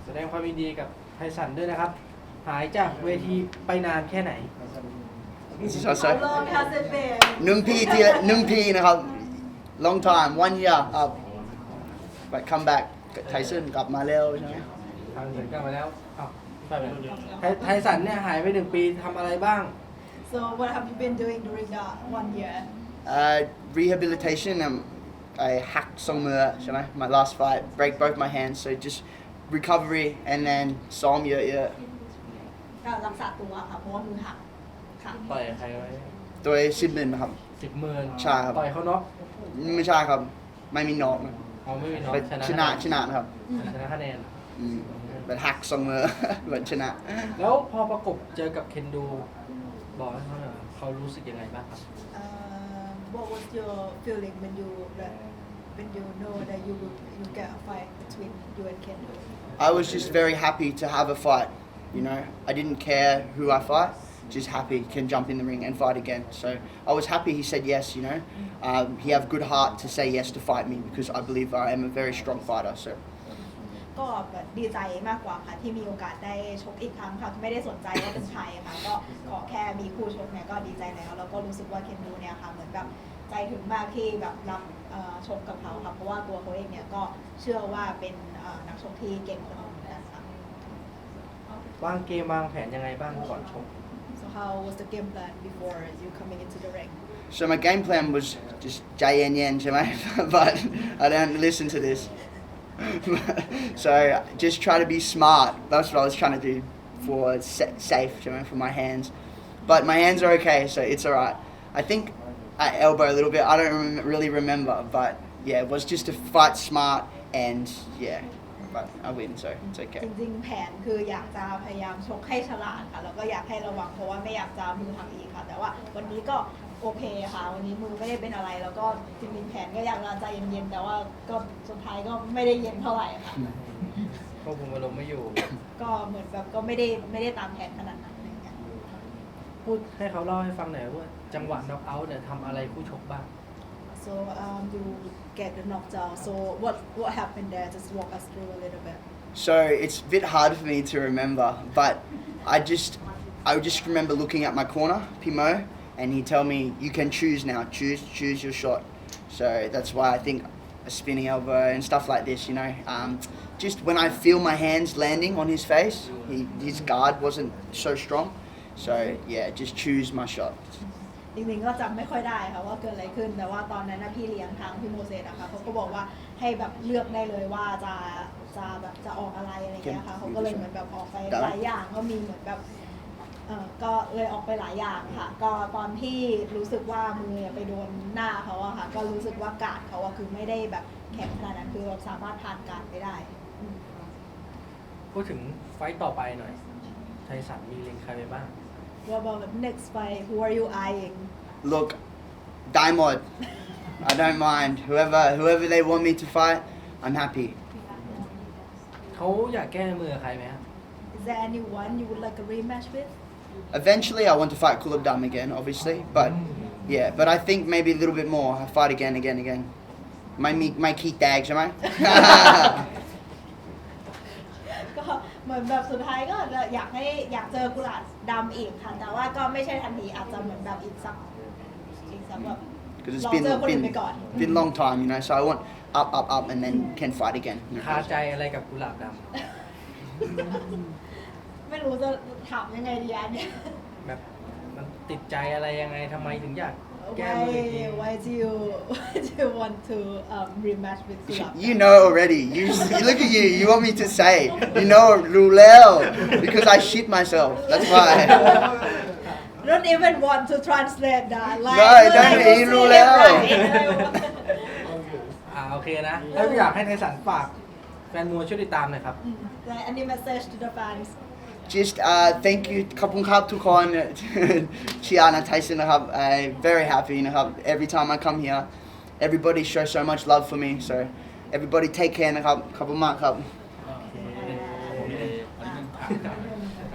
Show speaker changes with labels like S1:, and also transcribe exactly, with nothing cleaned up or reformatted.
S1: แสดงความยินดีกับไทสันด้วยนะครับหายจากเวทีไปนานแค่ไหน
S2: How long has it been หนึ่งปีที่หนึ่งปีนะครับ long time one year up but come back ไทสันกลับมาแล้วใช่ไหม
S1: ทางเสร็จกลับมาแล้วอ้าวไปไหนไทไทสันเนี่ยหายไปหนึ่งปีทำอะไรบ้าง
S2: So what have you been doing during that one year uh, rehabilitation um, I hacked some uh, ใช่ไหม my last fight break both my hands so just recovery and then ซ้อมเยอะๆ
S3: ก็รักษาตัวค่ะเพราะว่ามือหักค่ะ
S1: ต่อยใครไว้
S2: โดยสิบหมื่นครับ
S1: สิบหมื่น
S2: ใช่ครับ
S1: ต่อยเขาน็อก
S2: ไม่ใช่ครับไม่มีน็อกนะ
S1: เขาไม่มีน็อก
S2: เป็นชนะชนะครับ
S1: ชนะคะแนน
S2: อืมเป็นหักสองมือ เป็นชนะ
S1: แล้วพอประกบเจอกับเคนดูบอกให้เขาหน่อยเขารู้สึกยังไงบ้างครับ
S3: Uh, what was your feeling when you when you know that you will you get a fight between you and Kendo
S2: I was just very happy to have a fight you know I didn't care who I fight just happy can jump in the ring and fight again so I was happy he said yes you know um, he have good heart to say yes to fight me because I believe I am a very strong fighter so
S3: ก็แบบดีใจมากกว่าค่ะที่มีโอกาสได้ชกอีกครั้งค่ะไม่ได้สนใจว่าเป็นใครค่ะก็ขอแค่มีคู่ชกเนี่ยก็ดีใจแล้วแล้วก็รู้สึกว่าเคนดูเนี่ยค่ะเหมือนแบบใจถึงมากที่แบบรับชกกับเขาค่ะเพราะว่าตัวเขาเองเนี่ยก็เชื่อว่าเป็นนักชกที่เก่งคนหนึ่งเหมือนกันค่ะ
S1: วางเกมวางแผนยังไงบ้างก่อนชก
S3: So how was the game plan before you coming into the ring
S2: so my game plan was just ใจเย็นๆใช่ไหม but I don't listen to this so just try to be smart that's what I was trying to do for safe you know, for my hands but my hands are okay so it's alright I think I elbow a little bit I don't rem- really remember but yeah it was just to fight smart and yeah but I win so it's okay
S3: จริงๆแผนคืออยากจะพยายามชกให้ฉลาดค่ะแล้วก็อยากให้ระวังเพราะว่าไม่อยากจะมือหักอีกค่ะแต่ว่าวันนี้ก็โอเคค่ะวันนี้มือไม่ได้เป็นอะไรแล้วก็จริงๆแผนก็อยากจะใจเย็นๆแต่ว่าก็สุดท้ายก็ไม่ได้เย็นเท่าไหร่ค่ะ
S1: ควบคุมอารมณ์ไม่อยู่
S3: ก็เหมือนแบบก็ไม่ได้ไม่ได้ตามแผนขนาดนั้นอะไรเงี้ย
S1: พูดให้เขาเล่าให้ฟังหน่อยว่าจังหวะน็อกเอาท์เนี่ยทำอะไรคู่ชกบ้าง
S3: so um, you get the knocked out so what what happened there just walk us through a little bit
S2: so it's a bit hard for me to remember but I just I just remember looking at my corner Pimo and he tell me you can choose now choose choose your shot so that's why I think a spinning elbow and stuff like this you know um, just when I feel my hands landing on his face he, his guard wasn't so strong so yeah just choose my shot
S3: จริงๆก็จำไม่ค่อยได้ค่ะว่าเกิดอะไรขึ้นแต่ว่าตอนนั้นนะพี่เลี้ยงทางพี่โมเสสอะค่ะเขาก็บอกว่าให้แบบเลือกได้เลยว่าจะจะแบบจะออกอะไรอะไรเงี้ยค่ะเขาก็เลยเหมือนแบบออกไปหลายอย่างก็มีเหมือนแบบเออก็เลยออกไปหลายอย่างค่ะก็ตอนที่รู้สึกว่ามือไปโดนหน้าเขาอะค่ะก็รู้สึกว่าการ์ดเขาอะคือไม่ได้แบบแข็งขนาดนั้นคือเราสามารถผ่านการ์ดไปได้อืม
S1: พูดถึงไฟต์ต่อไปหน่อยไทสันมีเล็งใครไปบ้าง
S3: What about the next fight who are you eyeing
S2: look Diamond I don't mind whoever whoever they want me to fight I'm happy
S1: เขาอยากแก้มือใครไหมครับ
S3: Is there anyone you would like a rematch with
S2: eventually I want to fight Kulab Dam again obviously but yeah but I think maybe a little bit more I fight again again again ไม่มีไม่ขี้แตกใช่ไหม
S3: ก็เหมือนแบบสุดท้ายก็อยากให้อยากเจอกุหลาบดำอีกค่ะแต่ว่าก็ไม่ใช่ทันทีอาจจะเหมือนแบบอีกสักอีกสักแบบ
S2: because it's
S3: ลอง
S2: been
S3: เจอคนอื่น
S2: been
S3: ไปก่อน
S2: been long time you know so I want up up up and then can fight again
S1: คาใจอะไรกับกุหลาบด
S3: ไม่รู้จะถามยังไงดีอันเนี้ย
S1: ำแบบมันติดใจอะไรยังไงทำไมถึงอยากแก้มืออีกที
S3: Why why do you why do you want to um, rematch with กุหลาบ
S2: you know already you, you look at you you want me to say you know Rulel because I shit myself that's why
S3: Don't even want to translate that like
S2: No, don't
S3: like,
S2: you
S3: see
S2: know
S3: it
S2: แล้ว
S3: right
S1: อ่าโอเคนะแล้วอยากให้ไทสันฝากแฟนมวยช่วยติดตามหน่อยครับ
S3: Like any message to the fans
S2: just uh, thank you ขอบคุณครับทุกคน เชียร์นะไทสันนะครับ I'm very happy นะครับ every time I come here everybody shows so much love for me so everybody take care นะครับขอบคุณมากครับ